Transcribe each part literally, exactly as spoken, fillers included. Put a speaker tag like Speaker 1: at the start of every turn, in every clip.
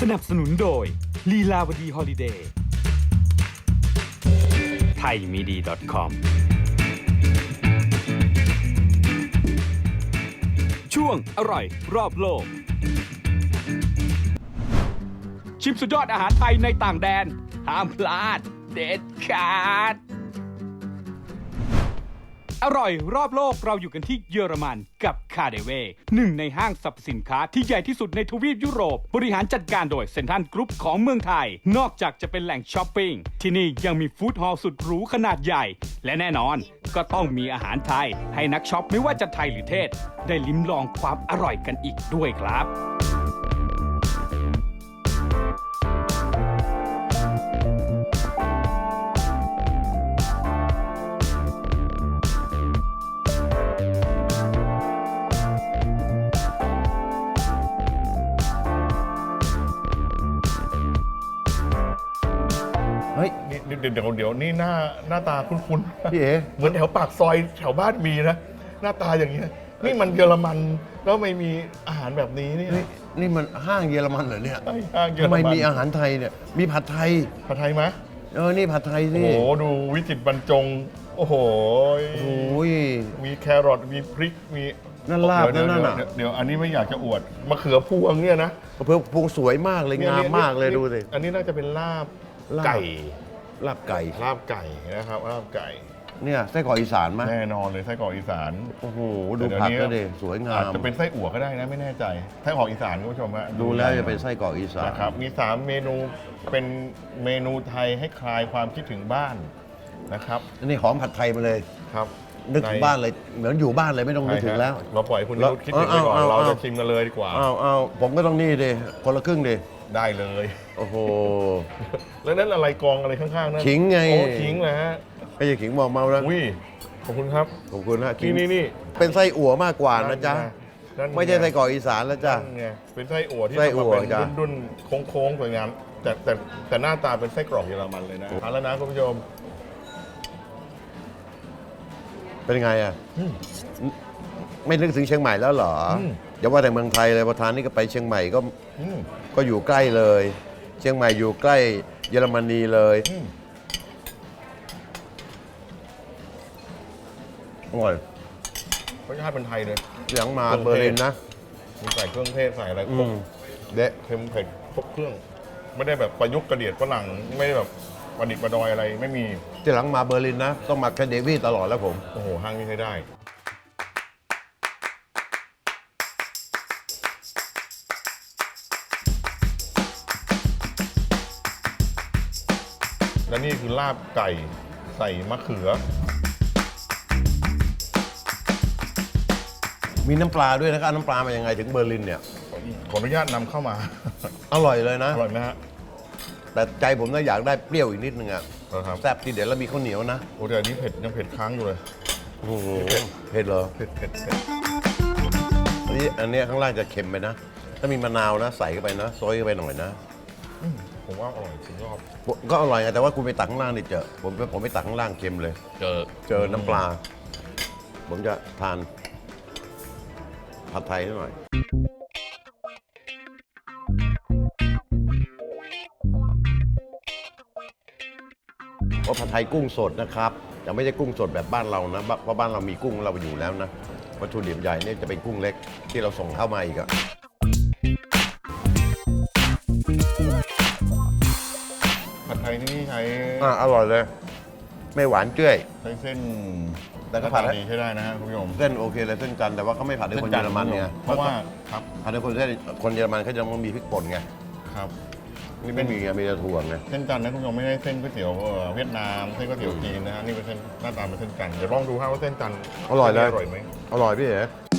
Speaker 1: นับสนุนโดยลีลาวดีฮอลิเดย์ไทยมีดี .com ช่วงอร่อยรอบโลกชิมสุดยอดอาหารไทยในต่างแดนห้ามพลาดเด็ดขาดอร่อยรอบโลกเราอยู่กันที่เยอรมันกับคาเดเวหนึ่งในห้างสรรพสินค้าที่ใหญ่ที่สุดในทวีปยุโรปบริหารจัดการโดยเซ็นทรัลกรุ๊ปของเมืองไทยนอกจากจะเป็นแหล่งช้อปปิ้งที่นี่ยังมีฟู้ดฮอลล์สุดหรูขนาดใหญ่และแน่นอนก็ต้องมีอาหารไทยให้นักช็อปไม่ว่าจะไทยหรือเทศได้ลิ้มลองความอร่อยกันอีกด้วยครับ
Speaker 2: เฮ้ย
Speaker 3: นี่เดี๋ยวเดี๋ยวเดี๋ยวนี่หน้าหน้าตาคุ้นๆ
Speaker 2: พี่เอ๋
Speaker 3: เหมือนแถวปากซอยแถวบ้านมีนะ หน้าตาอย่างเงี้ยนี่มันเยอรมันแล้วไม่มีอาหารแบบนี้นี่
Speaker 2: นี่นี่มันห้างเยอรมันเหรอเนี่ย
Speaker 3: ไอ้ห้างเยอร
Speaker 2: ทำไม
Speaker 3: มัน
Speaker 2: มีอาหารไทยเนี่ย มีผัดไทย
Speaker 3: ผัดไทยไหม
Speaker 2: เออ นี่ผัดไทย
Speaker 3: โอ้
Speaker 2: สิ
Speaker 3: โหดูวิจิตรบรรจง โอ้โห
Speaker 2: โอ้ย
Speaker 3: มีแครอทมีพริกมี
Speaker 2: นั่นลาบ
Speaker 3: เดี๋ยว
Speaker 2: นั่น
Speaker 3: เดี๋ยว
Speaker 2: น่ะ
Speaker 3: เดี๋ยวเดี๋ยวอันนี้ไม่อยากจะอวดมะเขือพวงเนี่ยนะ
Speaker 2: เพื่อพวงสวยมากเลย
Speaker 3: นี่
Speaker 2: งามมากเลยดูสิ
Speaker 3: อันนี้น่าจะเป็นลาบ
Speaker 2: ลาบ
Speaker 3: ไก่
Speaker 2: ลาบไก่
Speaker 3: ลาบไก่นะครับลาบไก่
Speaker 2: เนี่ยไส้กรอกอีสานไหม
Speaker 3: แน่นอนเลยไส้กรอกอีสาน
Speaker 2: โอ้โห ดูผักก็ดิสวยงา
Speaker 3: อาจ
Speaker 2: ม
Speaker 3: จะเป็นไส้อั่วก็ได้นะไม่แน่ใจไส้กรอกอีสานคุณผู้ชมฮะ
Speaker 2: ดูแล้วจะเป็นไส้กรอกอีสาน
Speaker 3: นะครับมีสามเมนูเป็นเมนูไทยให้คลายความคิดถึงบ้านนะครับ
Speaker 2: อันนี้หอมผัดไทยมาเลย
Speaker 3: ครับ
Speaker 2: นึกถึงบ้านเลย เหมือนอยู่บ้านเลยไม่ต้องนึกถึงแล้ว
Speaker 3: เราปล่อยคุณ
Speaker 2: แล้ว
Speaker 3: นุชคิดถึงไปก่อน
Speaker 2: เอาเอา
Speaker 3: เรา
Speaker 2: เอา
Speaker 3: จะชิมกันเลยดีกว่า
Speaker 2: อ้าวอ้าวผมก็ต้องนี่ดิคนละครึ่งดิ
Speaker 3: ได้เลย
Speaker 2: โอ้โห
Speaker 3: แล้วนั่นอะไรกองอะไรข้างๆนั่น
Speaker 2: ขิงไง
Speaker 3: โอ้ขิงนะฮะ
Speaker 2: ไอ้ยาขิงบอกเมาแล้ว
Speaker 3: อุ้ยขอบคุณครับ
Speaker 2: ขอบคุณนะขิ
Speaker 3: นี่
Speaker 2: ง
Speaker 3: นี่นี่
Speaker 2: เป็นไส้อั่วมากกว่านะจ๊ะ
Speaker 3: นั่นง
Speaker 2: ไม่ใช่ไส้กรอกอีสานแล้วจ้ะ
Speaker 3: นั่นไงเป็นไส้อั่วที่
Speaker 2: ไส้
Speaker 3: ทำ
Speaker 2: อั่
Speaker 3: มาว เป็น
Speaker 2: จ้ะ
Speaker 3: ดุนๆโค้งๆสวยงามแต่แต่แต่หน้าตาเป็นไส้กรอกเยอรมันเลยนะทานแล้วนะคุณผู้ชม
Speaker 2: เป็นไงอ่ะ
Speaker 3: อืม
Speaker 2: ไม่นึกถึงเชียงใหม่แล้วเหรออ
Speaker 3: ม
Speaker 2: อย่าว่าแต่เมืองไทยเลยพอทานนี่ก็ไปเชียงใหม่ก็
Speaker 3: อืม
Speaker 2: ก็อยู่ใกล้เลย เชียงใหม่อยู่ใกล้เยอรมนีเลย
Speaker 3: อืม
Speaker 2: อร่อย
Speaker 3: รสชาติเป็นไทยเลย
Speaker 2: หลังมา
Speaker 3: เครื่องเทศ
Speaker 2: เบอร์ลินนะ
Speaker 3: มีใส่เครื่องเทศใส่อะไรค
Speaker 2: อื
Speaker 3: รบ
Speaker 2: มเดะ
Speaker 3: เค็มเผ็ดครบเครื่อง ไม่ได้แบบประยุกต์กระเดียดฝรั่งไม่ได้แบบประดิษฐ์ประดอยอะไรไม่มี
Speaker 2: ที่หลังมาเบอร์ลินนะ ต้องมาแคเดวี่ตลอดแล้วผม
Speaker 3: โอ้โหห้างนี้ใช้ได้ และนี่คือลาบไก่ใส่มะเขือ
Speaker 2: มีน้ำปลาด้วยนะครับน้ำปลามายังไงถึงเบอร์ลินเนี่ย
Speaker 3: ขออนุญาตนำเข้ามา
Speaker 2: อร่อยเลยนะ
Speaker 3: อร่อยไหมฮะ
Speaker 2: แต่ใจผมน่าอยากได้เปรี้ยวอีกนิดนึงอ่ะ
Speaker 3: นะครับ
Speaker 2: แซ่บทีเด็ดแล้วมีข้าวเหนียวนะ
Speaker 3: โอ้แต่อันนี้เผ็ดยังเผ็ดค้างอยู่เลย
Speaker 2: โอ้โหเผ็ดเหรอ
Speaker 3: เผ็ดเผ็ดเผ็ด
Speaker 2: อันนี้อันเนี้ยข้างล่างจะเค็มไปนะ ถ้ามีมะนาวนะใส่เข้าไปนะซอยเข้าไปหน่อยนะ
Speaker 3: อืมผมว่าอร่อยสุดยอด
Speaker 2: ก็อร่อยไงแต่ว่าคุณไปตักข้างล่างดิเจอผมผมไปตักข้างล่างเค็มเลย
Speaker 3: เจอ
Speaker 2: เจอน้ำปลา ผมจะทานผัดไทยนิดหน่อยว่าผัดไทยกุ้งสดนะครับแต่ไม่ใช่กุ้งสดแบบบ้านเรานะเพราะบ้านเรามีกุ้งเราอยู่แล้วนะวัตถุดิบใหญ่เนี่ยจะเป็นกุ้งเล็กที่เราส่งเข้ามาอีกอะ
Speaker 3: ผัดไทยที่นี่ใช้
Speaker 2: อ่ะอร่อยเลย ไม่หวานเจ้ย
Speaker 3: ใช้เส้น
Speaker 2: แต่ก็ผัด
Speaker 3: หน้าตาดีใช้ได้นะฮะคุณผู้ชม
Speaker 2: เส้นโอเคเลยเส้นจันทร์แต่ว่าเขาไม่ผัดด้วยคนเยอรมันเนี่ย
Speaker 3: เพราะว่าครับ
Speaker 2: ผัดด้วยคนเส้นคนเยอรมันเขาจะต้องมีพริกป่นไง
Speaker 3: ครับ
Speaker 2: นี่ไม่มีไงมีแต่ถั่วไง
Speaker 3: เส้นจันทร์นะคุณผู้ชมไม่ได้เส้นก๋วยเตี๋ยวเอ่อเวียดนามเส้นก๋วยเตี๋ยวจีนนะฮะนี่เป็นเส้นหน้าตาเป็นเส้นจันทร์เดี๋ยวลองดูฮะว่าเส้นจันทร์
Speaker 2: อร่อยเลย
Speaker 3: อร่อยไหม
Speaker 2: อร่อยพี่เอ๋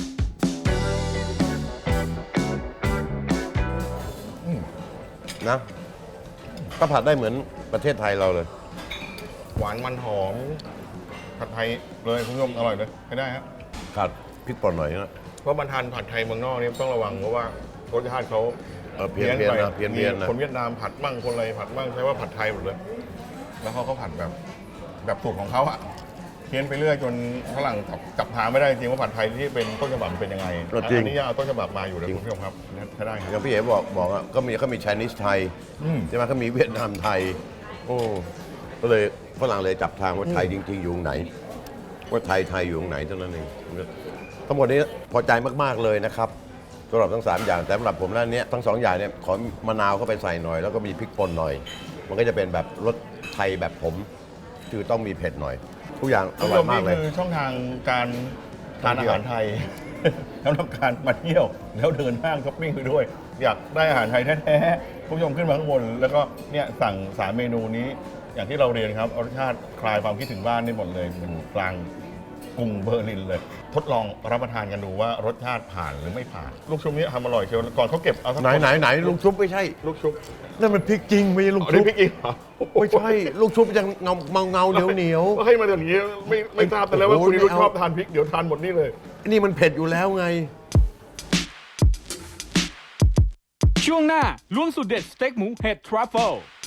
Speaker 3: อืม
Speaker 2: นะก็ผัดได้เหมือนประเทศไทยเราเลย
Speaker 3: หวานมันหอมผัดไทยเลยคุณผู้ชมอร่อยเลยใช้ได้ฮะ
Speaker 2: ขาดพริกป่นหน่อยนะ
Speaker 3: เพราะมันทานผัดไทยเมืองนอกนี่ต้องระวังเพราะว่ารสชาติเขา
Speaker 2: เออเพี้ยนเพี้ยน
Speaker 3: ไป
Speaker 2: นะเพี้ยนเพี้ยนนะ
Speaker 3: มีคนเวียดนามผัดมั่งคนอะไรผัดมั่งใช้ว่าผัดไทยหมดเลย แล้วเขาก็ผัดแบบแบบสูตรของเขาอะเพี้ยนไปเรื่อยจนฝรั่งจับจับทางไม่ได้จริงว่าผัดไทยที่เป็นต้นฉบับเป็นยังไง
Speaker 2: จริง
Speaker 3: อันนี้ยังเอาต้นฉบับมาอยู่นะคุณผู้ชมครับใช้ได้ค
Speaker 2: อ
Speaker 3: รับ
Speaker 2: ย่างพี่เอ๋บอกบอกอ่ะก็มีเขามี Chinese ไทย
Speaker 3: อืม
Speaker 2: ใช่ไหมเขามีเวียดนามไทย โอ้ก็เลยฝรั่งเลยจับทางว่าไทยจริง ๆ อยู่ตรงไหน ว่าไทยไทยอยู่ตรงไหนเท่านั้นเองทั้งหมดนี้พอใจมากๆเลยนะครับสำหรับทั้งสามอย่างแต่สำหรับผมแล้วเนี้ยทั้งสองอย่างเนี่ยขอมะนาวเข้าไปใส่หน่อยแล้วก็มีพริกป่นหน่อย มันก็จะเป็นแบบรสไทยแบบผมคือต้องมีเผ็ดหน่อย ทุกอย่างอ
Speaker 3: คุณ
Speaker 2: ร่
Speaker 3: ผู้
Speaker 2: อ
Speaker 3: ช
Speaker 2: ย
Speaker 3: ม
Speaker 2: มาก
Speaker 3: นี่
Speaker 2: เลย
Speaker 3: คือช่องทางการทานอาหารไทย สำหรับการมาเที่ยวแล้วเดินห้างช้อปปิ้งไปด้วย อยากได้อาหารไทยแท้ๆคุณผู้ชมขึ้นมาข้างบนแล้วก็เนี่ยสั่งสามเมนูนี้ อย่างที่เราเรียนครับรสชาติคลายความคิดถึงบ้านนี่หมดเลยเหมือนกลางกรุงเบอร์ลินเลย ทดลองรับประทานกันดูว่ารสชาติผ่านหรือไม่ผ่าน ลูกชุบนี้ทำอร่อยเชียวก่อนเขาเก็บเอาสัก
Speaker 2: ไหนไหนไหนลูกชุบไม่ใช่
Speaker 3: ลูกชุบ
Speaker 2: นั่นมันพริกจริงไม่ใช่ลูก
Speaker 3: อัน
Speaker 2: ชุ
Speaker 3: นี้
Speaker 2: บ
Speaker 3: พริกอีกเหรอ
Speaker 2: ไม่ใช่ลูกชุบยังเงาเงาเงาเหนียวเหนียว
Speaker 3: ก็ให้มาอย่างนี้ไม่ไม่ทราบแต่แล้วว่า
Speaker 2: โอ้โห
Speaker 3: คุณนิรุธ
Speaker 2: ไม่เอา
Speaker 3: ชอบทานพริกเดี๋ยวทานหมดนี่เลย
Speaker 2: นี่มันเผ็ดอยู่แล้วไง
Speaker 1: ช่วงหน้าล้วงสูตรเด็ดสเต็กหมูเห็ดทรัฟเฟิล